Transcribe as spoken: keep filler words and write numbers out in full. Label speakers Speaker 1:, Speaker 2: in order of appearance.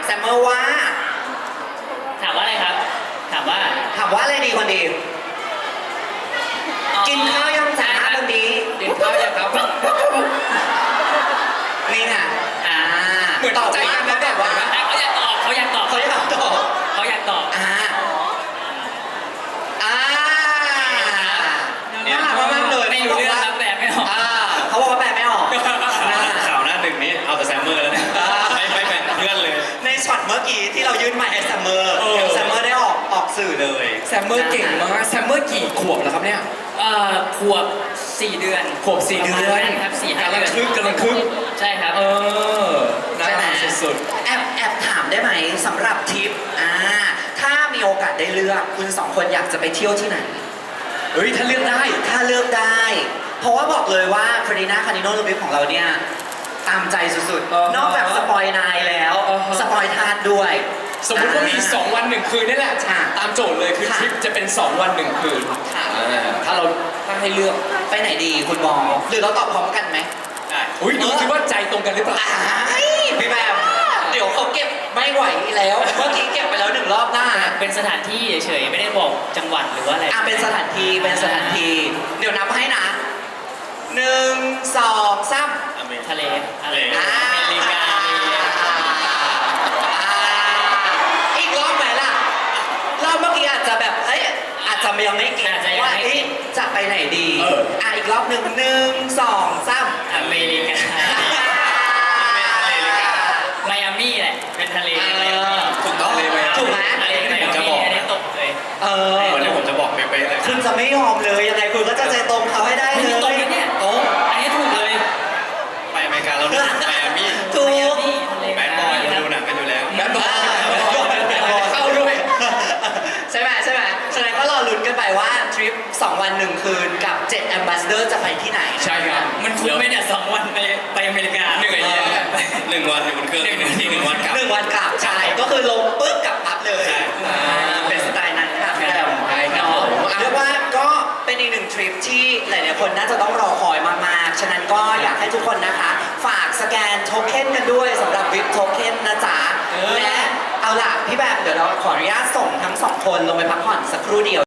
Speaker 1: ซมเมอร์ว่า
Speaker 2: ถามว่าอะไรครับถามว่า
Speaker 1: ถามว่าอะไรดีคนดีกินข้าวยังจ้าคนดี
Speaker 3: กินข้าวยังครับ
Speaker 1: นี่ไงอ่า
Speaker 3: เหมือน
Speaker 1: ตอบ
Speaker 3: ใจกันนะ
Speaker 1: แบบว่า
Speaker 2: เขาอยากตอบเขาอยากตอบ
Speaker 1: เขาอยากตอบ
Speaker 2: เขาอยากตอบ
Speaker 1: อ่าอ่าน่ารักมากเลย
Speaker 2: ไม่รู้เรื่องรับแบบไม่ออก
Speaker 1: อ่าเขาบอกว่าแปลไม่ออก
Speaker 3: ข่าวหน้าหนึ่งนี้เอาแต่แซมเมอร์แล้วเนี่ยไม่ไม่แบ่งเพื่อนเลย
Speaker 1: ในช็อตเมื่อกี้ที่เรายื่นไมค์ให้ซัมเมอร์ซัมเมอร์ได้ออกออกสื่อเลย
Speaker 3: แซมเมอร์เก่งมากแซมเมอร์กี่ขวบแล้วครับเนี่ย
Speaker 2: เอ่อขวบสี่เดือน
Speaker 3: ขวบสี่เดือน
Speaker 2: ครับสี่ห้าเดือน
Speaker 3: กำลังคึกกำลังคึก
Speaker 2: ใช่ครับ
Speaker 3: เออน่ารักสุด
Speaker 1: แอบแอบถามได้ไหมสำหรับทริปอ่าถ้ามีโอกาสได้เลือกคุณสองคนอยากจะไปเที่ยวที่ไหน
Speaker 3: ๆเฮ้ยถ้าเลือกได้
Speaker 1: ถ้าเลือกได้ เพราะว่าบอกเลยว่าฟรีนาคานิโนลูบิฟของเราเนี่ยตามใจสุด
Speaker 3: เออ
Speaker 1: ๆ นอกจากสปอยนายแล้ว
Speaker 3: เออ
Speaker 1: สปอยทานด้วย
Speaker 3: สมมุติว่ามีสองวันหนึ่งคืนนี่แหละ
Speaker 1: ค่ะ
Speaker 3: ตามโจทย์เลยคือ
Speaker 1: ค่ะ
Speaker 3: ทริปจะเป็นสองวันหนึ่งคืน
Speaker 1: ค่ะ
Speaker 3: อ่าถ้าเราถ้าให้เลือก
Speaker 1: ไปไหนดีคุณบอลหรือเราตอบพร้อมกันไหม
Speaker 3: ได้อุ้ยดูสิว่าใจตรงกันหรือเปล่า
Speaker 1: อ้ายพี่แบมเดี๋ยวเขาเก็บไม่ไหวแล้วเมื่อกี้เก็บไปแล้วหนึ่งรอบหน้า
Speaker 2: เป็นสถานที่เฉยๆไม่ได้บอกจังหวัดหรือว่าอะไร
Speaker 1: อ่ะเป็นสถานที่เป็นสถานที่เดี๋ยวนับให้นะหนึ่งสองสาม
Speaker 2: ทะเลอะไร
Speaker 1: อ่า
Speaker 2: อเมริกา
Speaker 1: อ่าอีกรอบไหมล่ะรอบเมื่อกี้อาจจะแบบเอ้ยอาจจะยังไม่เก็ตว่าเอ๊ะจะไปไหนดี
Speaker 3: เออ
Speaker 1: อ่ะอีกรอบหนึ่งหนึ่งสองสาม
Speaker 2: อเมริกาไมอามี่แหละเป็นทะเลไมอามี่
Speaker 3: ถูกต้องเลยไหม
Speaker 1: ถูกไหม
Speaker 2: ทะเลไมอามี่อันนี้ตกเลย
Speaker 1: เออ
Speaker 3: วันนี้ผมจะบอกเป๊ะๆเลย
Speaker 1: คุณจะไม่ยอมเลยยังไงคุณก็จะใจตรงเขาให้ได้เล
Speaker 2: นี่ตรง
Speaker 1: ย
Speaker 2: นะเนี่ย
Speaker 1: ตรง
Speaker 2: อันนี้ถูกเลย
Speaker 3: ไปอเมริกาเรารู้ไมอามี่
Speaker 1: ถูก
Speaker 2: ไมอามี่ทะเล
Speaker 3: แบดบอยมาดูหนังกันอยู่แล้ว
Speaker 1: แบดบอย
Speaker 3: เข้าด้วย
Speaker 1: ใช่ไหมใช่ไหมฉะนั้นก็รอลุ้นกันไปว่าทริปสองวันหนึ่งคืนกับเจ็ด Ambassador จะไปที่ไหน
Speaker 3: ใช่ครับ
Speaker 2: มันคุ้มไหมเนี่ยสองวันไปไปอเมริกา
Speaker 3: หนึ่งไอเดียหนึ่งวันอยู่บนเครื่องหนึ่งทีหนึ่งวันกลับ
Speaker 1: หนึ่งวันกลับใช่ก็คือลงปุ๊บกลับปั๊บเลย
Speaker 3: ใช่
Speaker 1: อ่าเป็นสไตล์นั้นค่ะพี่แอม
Speaker 3: ใช่ครับ
Speaker 1: เนาะเรียกว่าก็เป็นอีกหนึ่งทริปที่หลายๆคนน่าจะต้องรอคอยมากๆ ฉะนั้นก็อยากให้ทุกคนนะคะ ฝากสแกนโทเค็นกันด้วยสำหรับวิปโทเค็นนะจ๊ะและเอาล่ะพี่แบมเดี๋ยวเราขออนุญาตส่งทั้งสองคนลงไปพักผ่อนสักครู่เดียว